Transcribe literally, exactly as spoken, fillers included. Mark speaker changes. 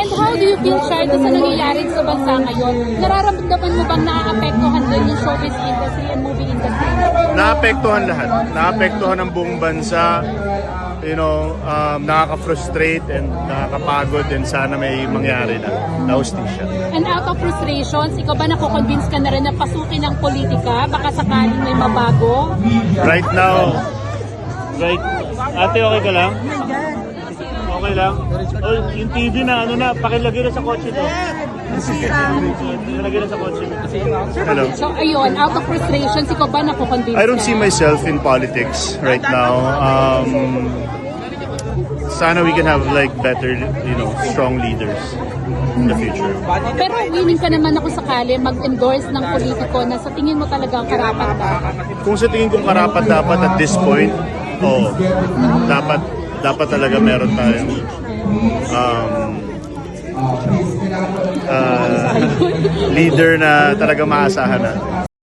Speaker 1: And how do you feel, Char, sa nangyayari sa bansa ngayon? Nararamdaman mo bang naaapektuhan din yung showbiz industry and movie industry?
Speaker 2: Naapektuhan lahat. Naapektuhan ang buong bansa. You know, um, nakaka-frustrate and nakakapagod and sana may mangyari na na hustisya.
Speaker 1: And out of frustrations, ikaw ba nakukonvince ka na rin na pasukin ng politika? Baka sakaling may mabago?
Speaker 2: Right now, right, ate okay ka lang? Okay lang? Oh, yung T V na ano na, pakilagay na sa kotse to. Pakilagay na sa kotse to. Hello.
Speaker 1: So ayun, out of frustrations, ikaw ba nakukonvince
Speaker 2: I don't
Speaker 1: ka?
Speaker 2: see myself in politics right now. Um, sana we can have like better, you know, strong leaders in the future.
Speaker 1: Pero willing ka naman ako sakali mag-endorse ng politiko na sa tingin mo talagang karapat dapat.
Speaker 2: Kung sa tingin kong karapat dapat at this point, oh, dapat dapat talaga meron tayong um, uh, leader na talaga maasahan na.